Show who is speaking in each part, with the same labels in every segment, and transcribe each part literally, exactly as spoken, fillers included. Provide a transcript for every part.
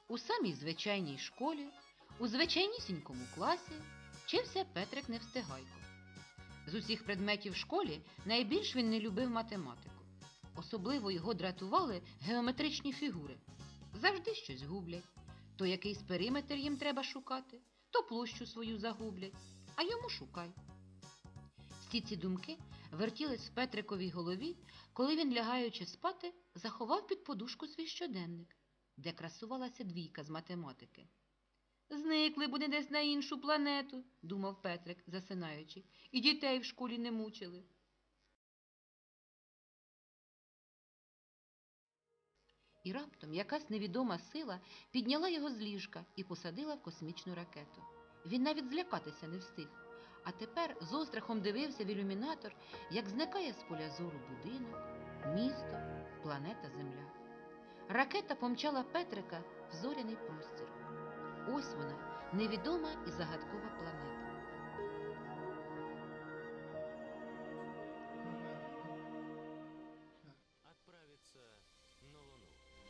Speaker 1: У самій звичайній школі, у звичайнісінькому класі вчився Петрик Невстигайко. З усіх предметів в школі найбільш він не любив математику. Особливо його дратували геометричні фігури. Завжди щось гублять. То якийсь периметр їм треба шукати, то площу свою загублять, а йому шукай. Всі ці думки вертілись в Петриковій голові, коли він, лягаючи спати, заховав під подушку свій щоденник, де красувалася двійка з математики. «Зникли б вони десь на іншу планету», – думав Петрик, засинаючи, – «і дітей в школі не мучили». І раптом якась невідома сила підняла його з ліжка і посадила в космічну ракету. Він навіть злякатися не встиг. А тепер з острахом дивився в ілюмінатор, як зникає з поля зору будинок, місто, планета Земля. Ракета помчала Петрика в зоряний простір. Ось вона, невідома і загадкова планета.
Speaker 2: Отправиться на Луну.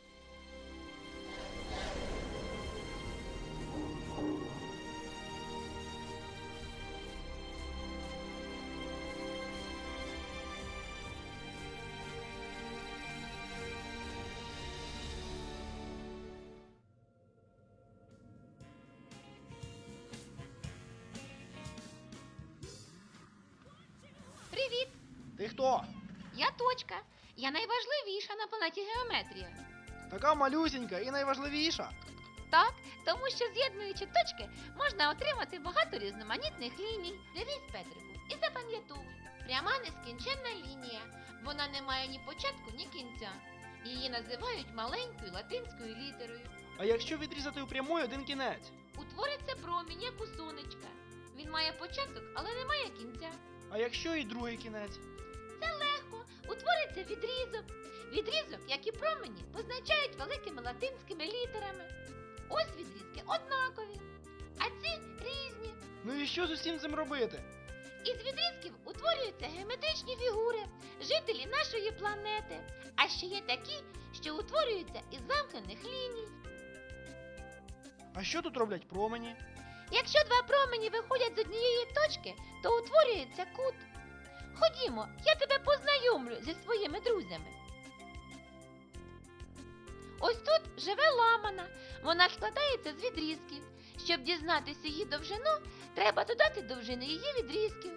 Speaker 3: Привіт!
Speaker 4: Ти хто?
Speaker 3: Я Точка. Я найважливіша на планеті Геометрія.
Speaker 4: Така малюсінька і найважливіша.
Speaker 3: Так, тому що з'єднуючи точки, можна отримати багато різноманітних ліній. Дивись, Петрику, і запам'ятовуй. Пряма нескінченна лінія. Вона не має ні початку, ні кінця. Її називають маленькою латинською літерою.
Speaker 4: А якщо відрізати у прямої один кінець?
Speaker 3: Утвориться промінь, як у сонечка. Він має початок, але не має кінця.
Speaker 4: А якщо і другий кінець?
Speaker 3: Це легко. Утвориться відрізок. Відрізок, як і промені, позначають великими латинськими літерами. Ось відрізки однакові, а ці різні.
Speaker 4: Ну і що з усім цим робити?
Speaker 3: Із відрізків утворюються геометричні фігури, жителі нашої планети. А ще є такі, що утворюються із замкнених ліній.
Speaker 4: А що тут роблять промені?
Speaker 3: Якщо два промені виходять з однієї точки, то утворюється кут. Ходімо, я тебе познайомлю зі своїми друзями. Ось тут живе ламана. Вона складається з відрізків. Щоб дізнатися її довжину, треба додати довжини її відрізків.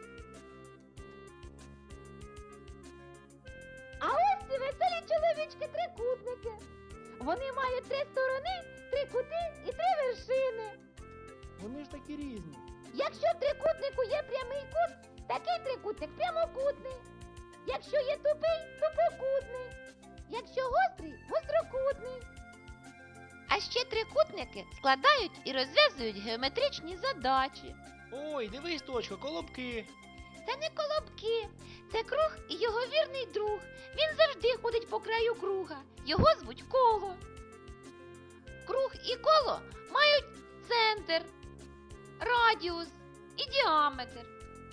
Speaker 3: А ось ці веселі чоловічки-трикутники. Вони мають три сторони, три кути і три вершини.
Speaker 4: Вони ж такі різні.
Speaker 3: Якщо в трикутнику є прямий кут, такий трикутник прямокутний. Якщо є тупий, тупокутний. Якщо гострий, гострокутний. А ще трикутники складають і розв'язують геометричні задачі.
Speaker 4: Ой, дивись, Точка, колобки.
Speaker 3: Це не колобки, це круг і його вірний друг. Він завжди ходить по краю круга. Його звуть коло. Круг і коло мають центр, радіус і діаметр.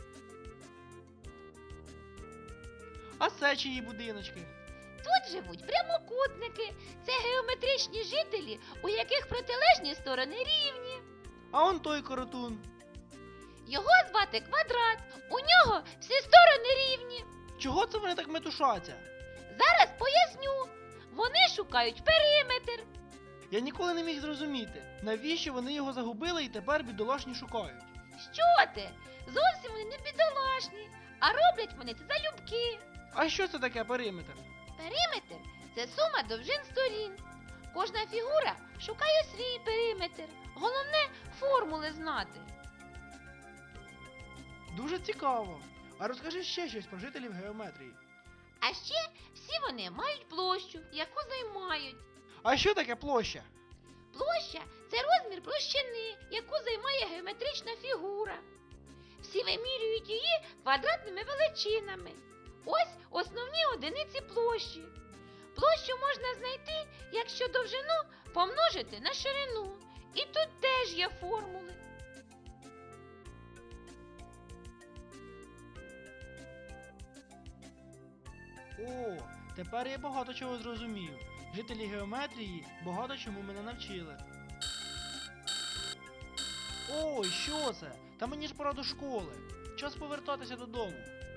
Speaker 4: А це чиї будиночки?
Speaker 3: Тут живуть прямокутники. Це геометричні жителі, у яких протилежні сторони рівні.
Speaker 4: А он той коротун.
Speaker 3: Його звати Квадрат. У нього всі сторони рівні.
Speaker 4: Чого це вони так метушаться?
Speaker 3: Зараз поясню. Вони шукають периметр.
Speaker 4: Я ніколи не міг зрозуміти, навіщо вони його загубили і тепер бідолашні шукають.
Speaker 3: Що ти? Зовсім вони не бідолашні, а роблять вони це залюбки.
Speaker 4: А що це таке периметр?
Speaker 3: Периметр – це сума довжин сторін. Кожна фігура шукає свій периметр. Головне – формули знати.
Speaker 4: Дуже цікаво. А розкажи ще щось про жителів геометрії.
Speaker 3: А ще всі вони мають площу, яку займають.
Speaker 4: А що таке площа?
Speaker 3: Площа – це розмір площини, яку займає геометрична фігура. Всі вимірюють її квадратними величинами. Ось основні одиниці площі. Площу можна знайти, якщо довжину помножити на ширину. І тут теж є формули.
Speaker 4: О, тепер я багато чого зрозумів. Жителі геометрії багато чому мене навчили. Ой, що це? Та мені ж пора до школи. Час повертатися додому.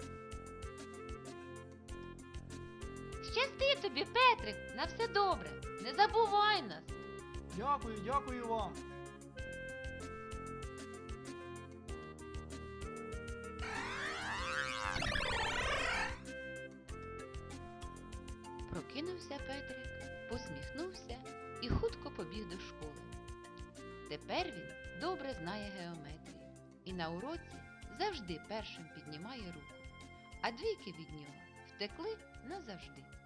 Speaker 3: Щасти тобі, Петрик, на все добре. Не забувай нас.
Speaker 4: Дякую, дякую вам.
Speaker 1: Прокинувся Петрик, посміхнувся і хутко побіг до школи. Тепер він добре знає геометрію і на уроці завжди першим піднімає руку, а двійки від нього втекли назавжди.